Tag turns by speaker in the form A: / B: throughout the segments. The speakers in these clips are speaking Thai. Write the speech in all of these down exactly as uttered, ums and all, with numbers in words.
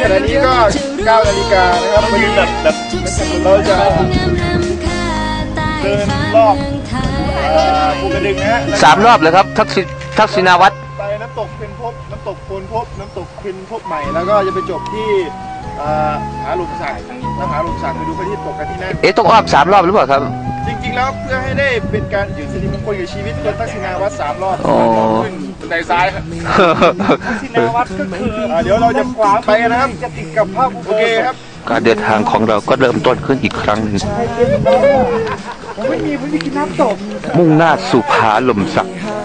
A: ขณะนี้ก็เก้านาฬิกานะครับวันนี้แบบแบบเราจะเดินรอบภูกระดึงนะฮะ
B: สามรอบเลยครับทักษิทักษิณาวัตร
A: ไปน้ำตกเพ็ญภพน้ำตกโพนภพน้ำตกเพ็ญภพใหม่แล้วก็จะไปจบที่หาหลุมสักแล้วหาหลุมสักไปดูพระอาทิตย์ตกกันที่นั่น
B: เอ๊ะต้องอ้อมสามรอบหรือเปล่าครับ
A: จริงๆแล้วเพื่อให้ได้เป็นการอยู่สิริมงคลกับชีวิตคนทักษิณาวัตรสามรอบขึ้นบันไดซ้ายครับทักษิณาวัตรก็คือเดี๋ยวเราจะขวาไปนะครับจะติดกับภาพโอเคครับ
B: การเดินทางของเราก็เริ่มต้นขึ้นอีกครั้งหนึ่ง
A: ไม่มีไม่มีกินน้ำตก
B: มุ่งหน้าสู่ผาหล่มสัก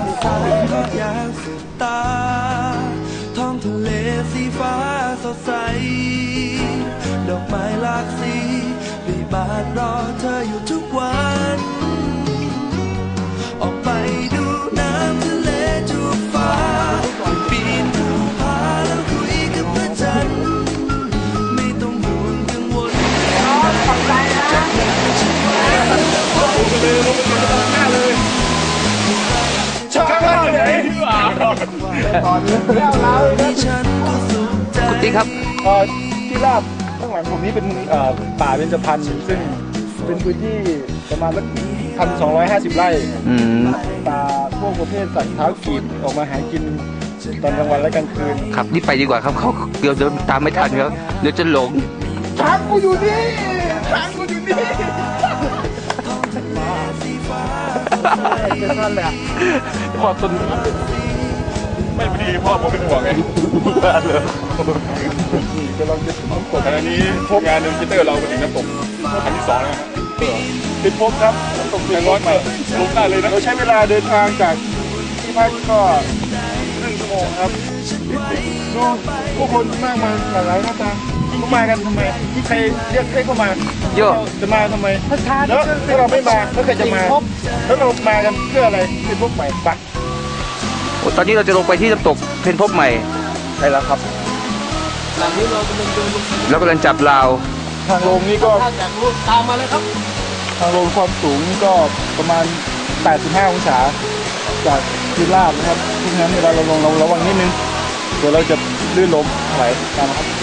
C: ท้องทะเลสีฟ้าสดใสดอกไม้หลากสีรีบานรอเธออยู่ทุกวันออกไปดูน้ำทะเลจูบฟ้าปีนภูผาแล้วคุยกับพระจันทร์ไม่ต้องห่วงกังวลขอบใจนะ
A: ชอบมากเลย
B: คุณติ๊กครับ
A: ที่ราบข้างหลังผมนี้เป็นป่าเบญจพรรณซึ่งเป็นพื้นที่ประมาณสักพันสองร้อยห้าสิบไร่ป่าพวกประเภทสัตว์เท้ากีบออกมาหากินตอนกลางวันและกลางคืน
B: ครับนี่ไปดีกว่าครับเขาเดี๋ยวเดินตามไม่ทันครับเดี๋ยวจะหลง
A: ช้างกูอยู่นี่ช้างกูอยู่นี่เป็นนั่นแหละพอต้นไม่พอดีพ่อผมเป็นห่วงไงบ้านเลยจะลองจะน้ำตกอันนี้พบงานหนึ่งคิเตอร์เราไปถึงน้ำตกอันที่สองนะครับเป็นพบครับน้ำตกเพียงร้อยใหม่ลงได้เลยนะเราใช้เวลาเดินทางจากที่พักก็ครึ่งชั่วโมงครับดูผู้คนมากมายหลากหลายหน้าตาเขามากันทำไมที่ใครเรียกใครเข้ามา
B: เยอะ
A: จะมาทำไมแล้วถ้าเราไม่มาแล้วใครจะมาแล้วเรามากันเพื่ออะไรเป็นพบใหม่ปะ
B: ตอนนี้เราจะลงไปที่น้ำตกเพ็ญภพใหม่
A: ใช่แล้วครับ
B: หลังนี้เรากำลังเดินแล้วกำลังจับราว
A: ทางลงนี่ก็ตามมาเลยครับทางลงความสูงนี่ก็ประมาณแปดสิบห้าองศาจากพื้นราบนะครับเพราะฉะนั้นเวลาเราลงเราระวังนิดนึงเดี๋ยวเราจะลื่นล้มไหลตามครับ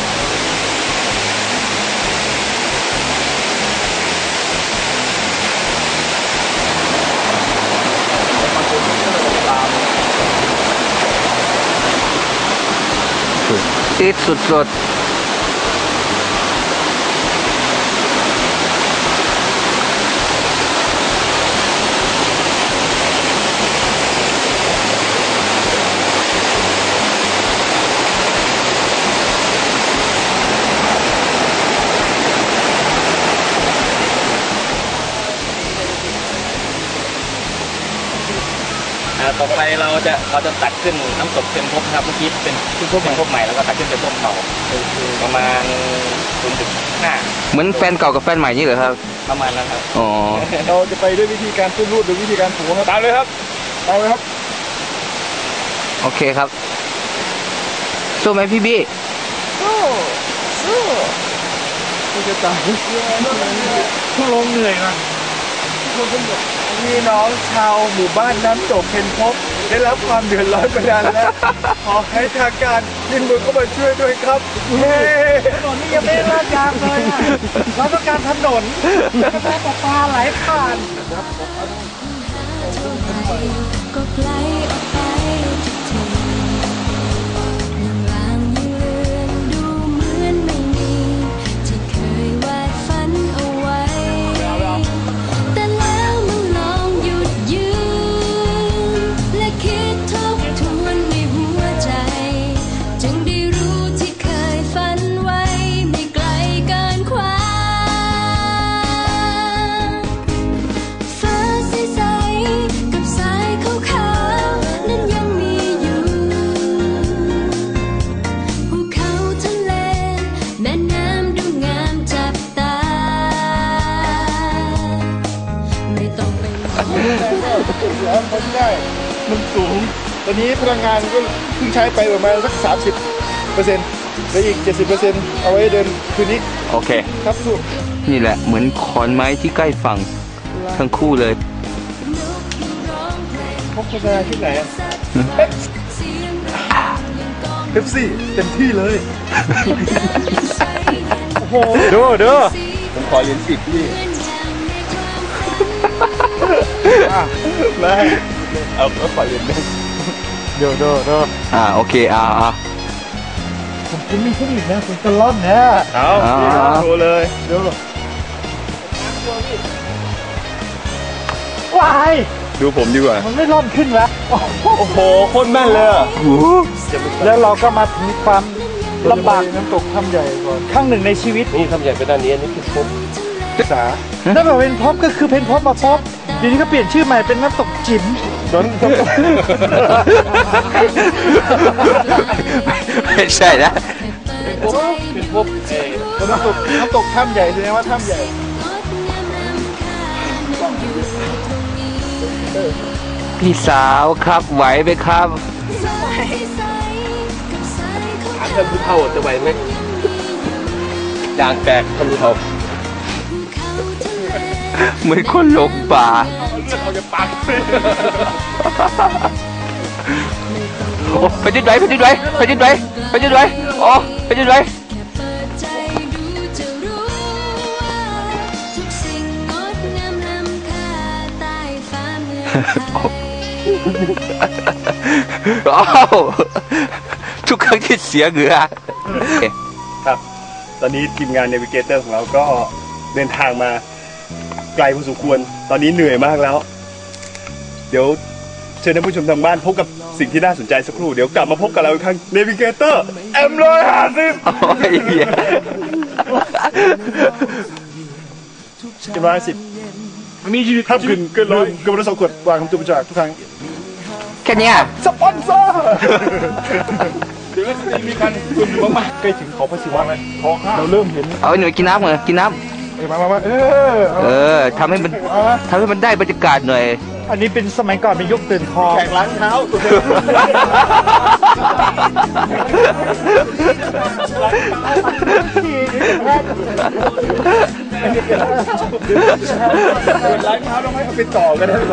B: ติดสุดๆ
D: ต่อไปเราจะเราจะตัดขึ้นน้ำตกเพ็ญภพครับเมื่อกี้เป็นขึ้นเพ็ญภพใหม่แล้วก็ตัดขึ้นเป็นภพเก่าประมาณ ศูนย์จุดห้า
B: เหมือนแฟนเก่ากับแฟนใหม่นี่เหรอครับ
D: ประมาณนั้นครับ
B: อ๋อ
A: เราจะไปด้วยวิธีการขึ้นรูดหรือวิธีการถูครับตามเลยครับตามเลยครับ
B: โอเคครับสู้ไหมพี่บี้
A: สู้สู้คุณจะตายต้องลงเหนื่อยนะพี่น้องชาวหมู่บ้านน้ำตกเพ็ญภพได้รับความเดือดร้อนมานานแล้วขอให้ทางการยินมือเข้ามาช่วยด้วยครับเฮ้ถนนนี่ยังไม่ลาดยางเลยเราต้องการถนนกระแสประปาไหลผ่านก็ไกลออกไปทุกทีลางยังเลือนดูเหมือนไม่มีที่เคยวาดฝันเอาไว้แต่แล้วมันลองหยุดยืนและคิดทบทวนในหัวใจจึงได้รู้ที่เคยฝันไว้ไม่ไกลเกินความฟ้าใสๆกับสายขาวๆนั้นยังมีอยู่ภูเขาทะเลแม่น้ำดูงามจับตาไม่ต้องไปแล้วมันได้มันสูงตอนนี้พลังงานก็เพิ่งใช้ไปประมาณสักสามสิบเปอร์เซ็นต์แล้วอีกเจ็ดสิบเปอร์เซ็นต์เอาไว้เดินคืนนี้
B: โอเค
A: ครับสุด
B: นี่แหละเหมือนขอนไม้ที่ใกล้ฝั่งทั้งคู่เลย
A: พบโฆษณาที่ไหนเป๊ปซี่เต็มที่เลยโอ้โหดูดูผมขอเหรียญสิบพี่ไม่เอาก็ขอเหรียญหนึ่งเดี๋ยวเดี๋ยวเดี๋ยว
B: อ่าโอเคอ่าอ่า
A: ผมจะมีเทคนิคนะผมจะล่อนนะเอาโชว์เลยเดี๋ยวว้ายดูผมดีกว่ามันไม่ล่อนขึ้นวะโอ้โหโคตรแม่นเลยอ่ะแล้วเราก็มาถึงความลำบากน้ำตกถ้ำใหญ่ก่อนครั้งหนึ่งในชีวิตนี่ถ้ำใหญ่เป็นด้านนี้นี่คือพบศึกษาถ้าแบบเป็นพบก็คือเป็นพบมาพบเดี๋ยวนี้ก็เปลี่ยนชื่อใหม่เป็นน้ำตกจิ๋มโดน
B: ไม่ใช่นะ
A: เป็นพบเป็นพบเองน้ำตกน้ำตกถ้ำใหญ่แสดงว่าถ้ำใหญ่
B: พี่สาวครับไหวไหมครับ
A: ถามท่านผู้เฒ่าจะไหวไหมยางแตกท่านผู้เฒ่า
B: เหมือนคนหลงป่า
A: เอาจะปัก
B: โอ้ไปดิ้นไหวไปดิ้นไหวไปดิ้นไหวไปดิ้นไหวโอ้ไปดิ้นไหวอ้าวทุกครั้งที่เสียเหงื่อ
A: ครับตอนนี้ทีมงานเนวิเกเตอร์ของเราก็เดินทางมาไกลพอสมควรตอนนี้เหนื่อยมากแล้วเดี๋ยวเชิญท่านผู้ชมทางบ้านพบกับสิ่งที่น่าสนใจสักครู่เดี๋ยวกลับมาพบกับเราอีกครั้งเนวิเกเตอร์เอ็มร้อยห้าสิบเอ็มร้อยห้าสิบมีชีวิตข้ามขึ้นเกินร้อยเกินร้อยสองขวดวางคำจุบจากทุกครั้ง
B: แค่นี้
A: สปอนเซอร์เดี๋ยวจะมีการคุณอยู่มากๆใกล้ถึงเขาพระศิวะเลยเราเริ่มเห็น
B: เอาหน่อยกินน้ำเหรอกินน้ำ
A: มามามาเออ
B: เออทำให้มันทำให้มันได้บรรยากาศหน่อย
A: อันนี้เป็นสมัยก่อนเป็นยกตื่นคอแข่งล้างเท้าล้างเท้าต้องให้เขาไปต่อกันนะ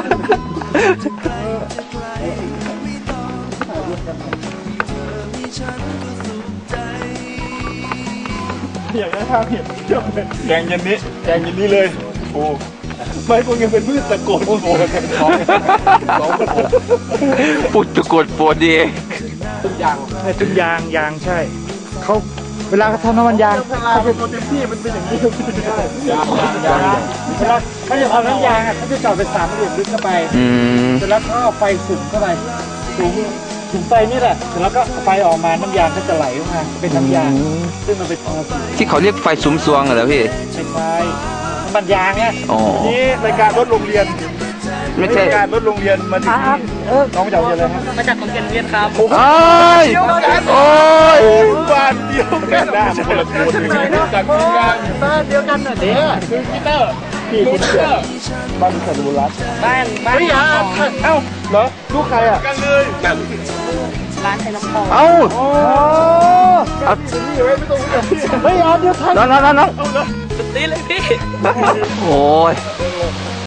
A: อยากได้ภาพเห็นเชื่อมเลยแกงเย็นนี้แกงเย็นนี้เลยโอ้ไม่คงยังเป็นพืชตะโกนโฟนกันท้องท้องตะโกน
B: พูดตะโกนโฟนดี
A: ต้นยางใช่ต้นยางยางใช่เขาเวลาเขาทำน้ำมันยางเขาเป็นเต็มที่มันเป็นอย่างนี้ใช่ยางยางเวลาเขาจะทำน้ำยางอ่ะเขาจะจอดเป็นสามเหลี่ยมลึกเข้าไปเสร็จแล้วก็ไฟสุ่มเข้าไปสุ่มสุ่มไฟนี่แหละเสร็จแล้วก็ไฟออกมาน้ำยางก็จะไหลออกมาเป็นน้ำยางซึ่งมันเป็น
B: ที่เขาเรียกไฟซุ้มซวงเหรอพี่
A: ไม่ใช่น้ำมันยางเนี่ยนี่รายการรถโรงเรียน
B: ไม่ใช่
A: รายการรถโรงเรียนมาถึงน้องจากโรงเรียนอะไรครับ
D: มาจากโรงเรียนเรียนครับ
B: โอ้ยโอ้ย
A: บ้านเดียวกันหน้าคนละคนจากทีมงานบ้านเดียวกันน่ะเด้คือพีเตอร์พี่คุณเตอร์บ้านคุณสรุรัตน์
D: บ้านบ้าน
A: เอ้าเหรอลูกใครอ่ะกันเลยแบบ
D: ร้านไทยน้ำพอง
B: เอ้า
A: โอ้เอานี่ไว้ไม่ต้องรู้จักพี่เฮ้ยเอาเดี๋ยวทัน
B: น้องน้องน้อง
D: ตีเลยพี่
B: โอ้ย